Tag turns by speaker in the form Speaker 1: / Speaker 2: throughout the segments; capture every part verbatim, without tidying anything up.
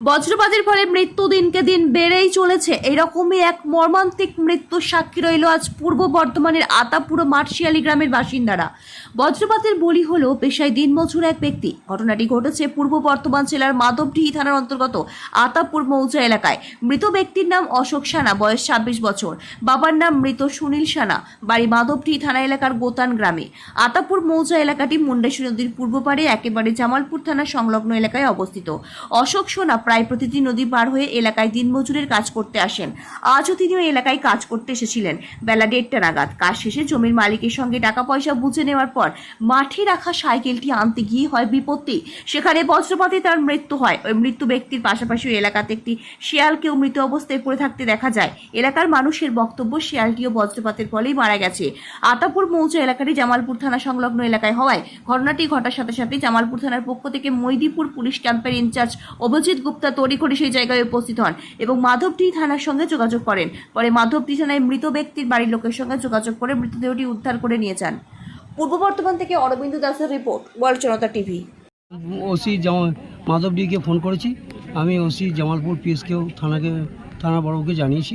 Speaker 1: বজ্রপাতের ফলে মৃত্যু দিনকে দিন বেড়েই চলেছে। এইরকমই এক মর্মান্তিক মৃত্যুর সাক্ষী রইল আজ পূর্ব বর্ধমানের আতাপুর মাঠশিয়ালি গ্রামের বাসিন্দারা। বজ্রপাতের বলি হলো পেশায় দিনমজুর এক ব্যক্তি। ঘটনাটি ঘটেছে পূর্ব বর্ধমান জেলার মাধবডিহি থানার অন্তর্গত আতাপুর মৌজা এলাকায়। মৃত ব্যক্তির নাম অশোক সানা, বয়স ছাব্বিশ বছর। বাবার নাম মৃত সুনীল সানা, বাড়ি মাধবডিহি থানা এলাকার গোতান গ্রামে। আতাপুর মৌজা এলাকাটি মুন্ডেশ্বরী নদীর পূর্ব পাড়ে একেবারে জামালপুর থানা সংলগ্ন এলাকায় অবস্থিত। অশোক সোনা প্রায় প্রতিদিন নদী পার হয়ে এলাকায় দিনমজুরের কাজ করতে আসেন। আজও তিনিও এলাকায় কাজ করতে এসেছিলেন। বেলা দেড়টা নাগাদ কাজ শেষে জমির মালিকের সঙ্গে টাকা পয়সা বুঝে নেওয়ার পর মাঠে রাখা সাইকেলটি আনতে গিয়ে হয় বিপত্তি। সেখানে বজ্রপাতে তার মৃত্যু হয়। ওই মৃত্যু ব্যক্তির পাশাপাশি এলাকাতে একটি শিয়ালকেও মৃত অবস্থায় পড়ে থাকতে দেখা যায়। এলাকার মানুষের বক্তব্য, শিয়ালটিও বজ্রপাতের ফলেই মারা গেছে। আতাপুর মৌজা এলাকাটি জামালপুর থানা সংলগ্ন এলাকায় হওয়ায় ঘটনাটি ঘটার সাথে সাথে জামালপুর থানার পক্ষ থেকে মৈদিপুর পুলিশ ক্যাম্পের ইনচার্জ অভিজিৎ গুপ্তা তড়িঘড়ি সেই জায়গায় উপস্থিত হন এবং মাধবডিহি থানার সঙ্গে যোগাযোগ করেন। পরে মাধবডিহি থানায় মৃত ব্যক্তির বাড়ির লোকের সঙ্গে যোগাযোগ করে মৃতদেহটি উদ্ধার করে নিয়ে যান। পূর্ব বর্ধমান থেকে অরবিন্দ দাসের report, world Janata TV.
Speaker 2: OC জামা মাধবডিকে ফোন করেছি। আমি ওসি জামালপুর পিএসকেও থানাকে থানা বড়বাবুকে জানিয়েছি।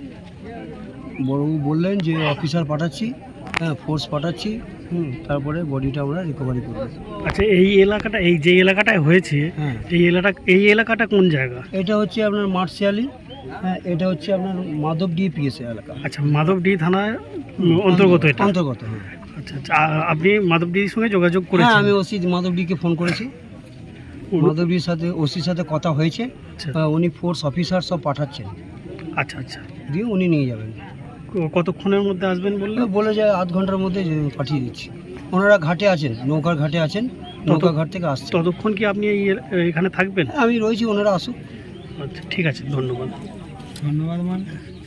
Speaker 2: বড়বাবু বললেন যে অফিসার পাঠাচ্ছি, হ্যাঁ ফোর্স পাঠাচ্ছি, হুম তারপরে বডিটা আমরা রিকভারি করব।
Speaker 3: আচ্ছা, এই এলাকাটা, এই যে এলাকাটায় হয়েছে,
Speaker 2: হ্যাঁ
Speaker 3: এই এলাকা এই এলাকাটা কোন জায়গা?
Speaker 2: এটা হচ্ছে আপনার মাঠশিয়ালি, হ্যাঁ এটা হচ্ছে আপনার মাধবডি পিএস এলাকা।
Speaker 3: আচ্ছা, মাধবডিহি থানার অন্তর্গত এটা?
Speaker 2: অন্তর্গত, হ্যাঁ।
Speaker 3: আচ্ছা আচ্ছা, আ- আপনি মাধবডিহির সঙ্গে যোগাযোগ
Speaker 2: হ্যাঁ
Speaker 3: করেছেন?
Speaker 2: আমি ওসি মাধবডিকে ফোন করেছি। মাধবডির সাথে ওসির সাথে কথা হয়েছে।
Speaker 3: আচ্ছা
Speaker 2: আহ, উনি ফোর্স অফিসার সব পাঠাচ্ছেন,
Speaker 3: আচ্ছা আচ্ছা,
Speaker 2: দিয়ে উনি নিয়ে যাবেন।
Speaker 3: ক- কতক্ষণের মধ্যে আসবেন বললেন?
Speaker 2: বলে যায় আধ ঘন্টার মধ্যে যে পাঠিয়ে দিচ্ছি। ওনারা ঘাটে আছেন, নৌকার ঘাটে আছেন, নৌকা ঘাট থেকে আসছে।
Speaker 3: ততক্ষণ কি আপনি এই এ- এখানে থাকবেন?
Speaker 2: আমি রয়েছি, ওনারা আসুক।
Speaker 3: আচ্ছা ঠিক আছে, ধন্যবাদ।
Speaker 2: ধন্যবাদ।